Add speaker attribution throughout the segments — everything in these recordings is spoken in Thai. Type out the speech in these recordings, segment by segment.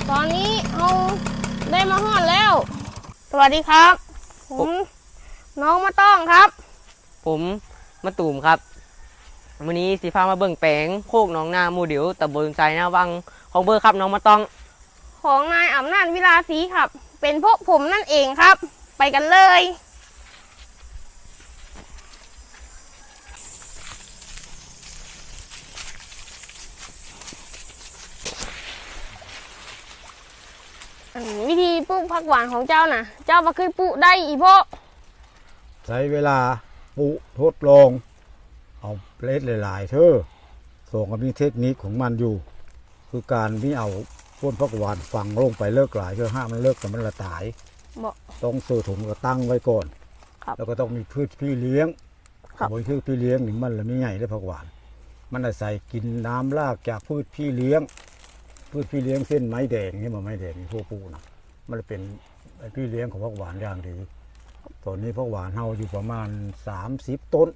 Speaker 1: ตอนนี้เราได้มาฮอดแล้ว สวัสดีครับผมน้องมะต้องครับ
Speaker 2: ผมมะตูมครับวันนี้สีฟ้ามาเบิ่งแปลงโคกหนองนาหมู่เดียวตำบลไซนาวังของเบอร์ครับน้องมะต้อง
Speaker 1: ของนายอำนาจวิลาศรีครับ เป็นพวกผมนั่นเองครับ ไปกันเลยวิธีปลูกผักหวานของเจ้าน่ะ เจ้ามาเคยปลูกได้อีพ่อ
Speaker 3: ใช้เวลาปลูกทดลองเอาเปล็ดหลายๆเธอส่งก็มีเทคนิคของมันอยู่ คือการไม่เอาต้นผักหวานฝังลงไปเลิกหลายเธอห้ามมันเลิกแต่มันละตายต้องเสื่อถุงก็ตั้งไว้ก่อนแล้วก็ต้องมีพืชพี่เลี้ยงบนพืชพี่เลี้ยงนี่มันละไม่ใหญ่ได้ผักหวานมันอาศัยกินน้ำรากจากพืชพี่เลี้ยงเส้นไม้แดงนี่มันไม้แดงนี่พวกปูนะมันเป็นพี่เลี้ยงของผักหวานอย่างดีตอนนี้ผักหวานเฮาอยู่ประมาณ30 ต้น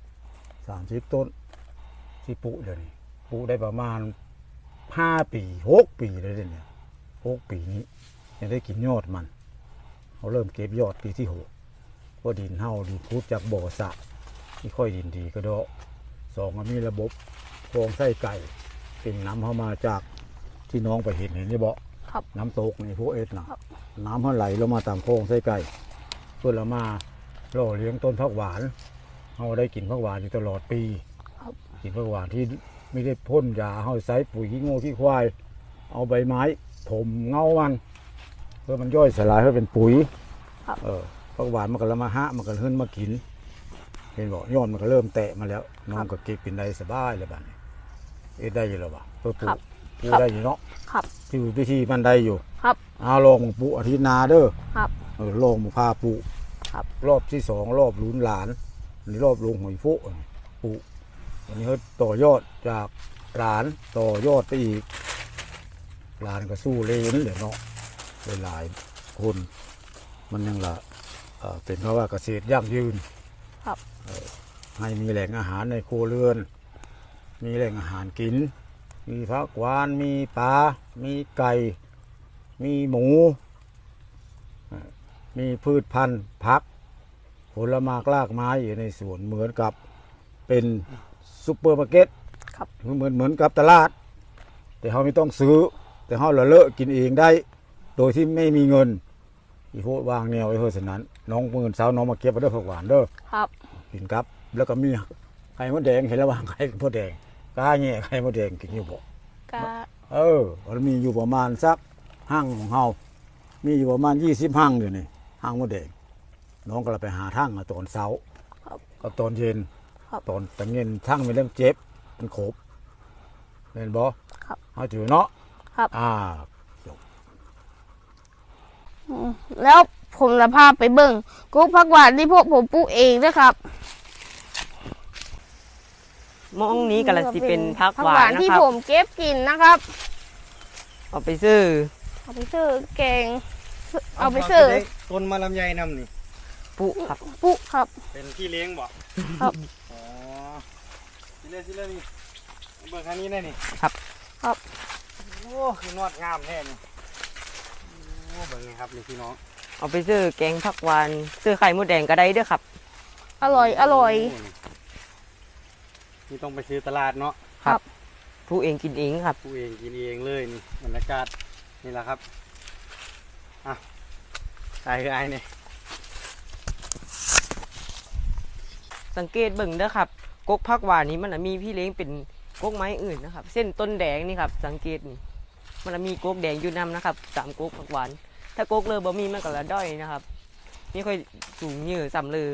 Speaker 3: ที่ปลูกเดี๋ยวนี้ปลูกได้ประมาณ5 ปี6 ปีเลยเนี่ย6 ปีนี้ยังได้กินยอดมันเขาเริ่มเก็บยอดปีที่6เพราะดินเฮาดีพุดจากบ่อสระที่ค่อยดินดีก็ดอก2มันมีระบบคลองไส้ไก่เป็นน้ำเข้ามาจากที่น้องไปเห็นนี่บ่น้ำตกในพวกเอ็ดนะน้ำมันไหลลงมาตามคลองไส้ไก่เพื่อเรามาล่อเลี้ยงต้นผักหวานเราได้กินผักหวานอยู่ตลอดปีกินผักหวานที่ไม่ได้พ่นยาเราใส่ปุ๋ยขี้งูขี้ควายเอาใบไม้ถมเงามันเพื่อมันย่อยสลายเพื่อเป็นปุ๋ยผักหวานมันก็ละมาหะมันก็ขึ้นมากินเห็นบอกยอดมันก็เริ่มแตะมาแล้วน้องก็เก็บกินได้สบายเลยบ้านนี้ได้อยู่แล้วบ่เพื่อปลูกได้อยู่เนาะที่วิธีมันได้อยู่เอาลองปลูกอาทิตย์นาเด้อลองพาปลูกรอบที่2รอบลุ้นหลานนี่รอบลุงหอยฟุปลูกวันนี้เขาต่อยอดจากหลานต่อยอดไปอีกหลานก็สู้เลยนี่แหละเนาะหลายคนมันยังละเป็นเพราะว่าเกษตรยั่งยืนให้มีแหล่งอาหารในครัวเรือนมีแหล่งอาหารกินมีผักหวานมีปลามีไก่มีหมูมีพืชพันธุ์ผักผลไม้รากไม้อยู่ในสวนเหมือนกับเป็นซุปเปอร์มาร์เก็ตเหมือนกับตลาดแต่เขาไม่ต้องซื้อแต่เขาเลอะกินเองได้โดยที่ไม่มีเงินอีโพวางแนวไว้เพื่อฉะนั้นน้องเงินเช้าน้องมาเก็บมาด้วยผักหวานเด้อกินครับแล้วก็มีไข่มดแดงเห็นแล้ววางไข่มดแดงกาแง่ไข่มดแดงกินอยู่บ่มันมีอยู่ประมาณสักห้างของเฮามีอยู่ประมาณ20 ห้างเดี๋ยวนี้ห้างมดแดงน้องก็เลยไปหาทั้งตอนเช้าก็ตอนเย็นตอนตะเงินทั้งเป็นเรื่องเจ็บเป็นขบเห็นบ่เอาถือเนาะ
Speaker 1: แล้วผมจะพาไปเบิ่งกุ๊กผักหวานที่พวกผมปลูกเองด้วยครับ
Speaker 2: มองนี้กันละสิเป็นผักหวานนะครับ
Speaker 1: ที่ผมเก็บกินนะครับ
Speaker 2: เอาไปซื้อ
Speaker 1: แกงเอาไปซื้อ
Speaker 4: ต้นมะลำไยน้ำนี่
Speaker 2: ปุครับ
Speaker 4: เป็นที่เลี้ยงบ่
Speaker 1: ครับ
Speaker 4: อ๋อสิเล่นี่เบิ่งคันนี้ได้นี่
Speaker 2: ครับ
Speaker 4: โอ้คือนอดงามแท้นี่โอ้เบิ่งนี่ครับนี่พี่น้อง
Speaker 2: เอาไปซื้อแกงผักหวานซื้อไข่มดแดงก็ได้ด้วยครับ
Speaker 1: อร่อย
Speaker 4: นี่ต้องไปซื้อตลาดเนาะ
Speaker 2: ครับผู้เองกินเองครับ
Speaker 4: ผู้เองกินเองเลยนี่บรรยากาศนี่แหละครับไอ้นี่
Speaker 2: สังเกตเบิ่งเด้อครับกกผักหวานนี้มันมีพี่เลี้ยงเป็นกกไม้อื่นนะครับเส้นต้นแดงนี่ครับสังเกตนี่มันมีกกแดงอยู่นำนะครับ3กกผักหวานถ้ากกเลยบ่มีมันก็ละด้อยนะครับนี่ค่อยสูงยืดสำเลย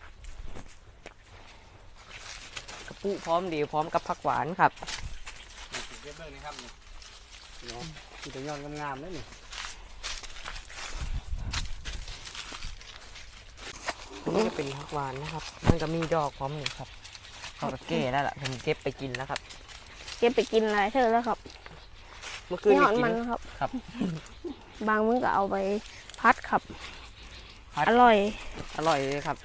Speaker 2: กระปุพร้อมเดียวพร้อมกับผักหวานครับ
Speaker 4: เก็บเบิ่งนี่ครับนี่เนาะมีแต่ยอดงามๆเลยนี่
Speaker 2: นี่จะเป็นผักหวานนะครับมันก็มีดอกพร้อมอยู่ครับเขาก็แก่แล้วล่ะผมเก็บไปกินแล้วครับ
Speaker 1: เก็บไปกินอะไรเธอแล้วครับ
Speaker 2: เมื่อคืนกิน
Speaker 1: ครับบางมื้อก็เอาไปพัดครับอร่อย
Speaker 2: เลยครับ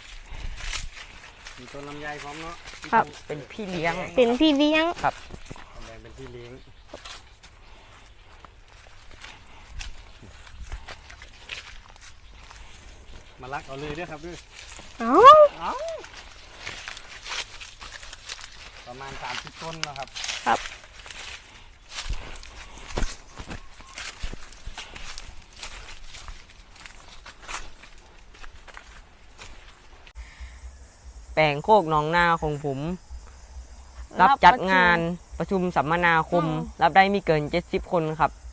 Speaker 4: มีต้นลำไยพร้อมเนาะ
Speaker 2: ครับเป็นพี่เลี้ยง
Speaker 1: ครับ
Speaker 4: เป็นพี่เลี้ยงมาลักเอาเลยเด้อครับด้วย
Speaker 1: เอ้า
Speaker 4: เอาประมาณ30ต้นนะครับ
Speaker 1: ครับ
Speaker 2: แปลงโคกหนองนาของผม รับจัดงานประชุมสัมมนาคม รับได้ไม่เกิน70 คนครับ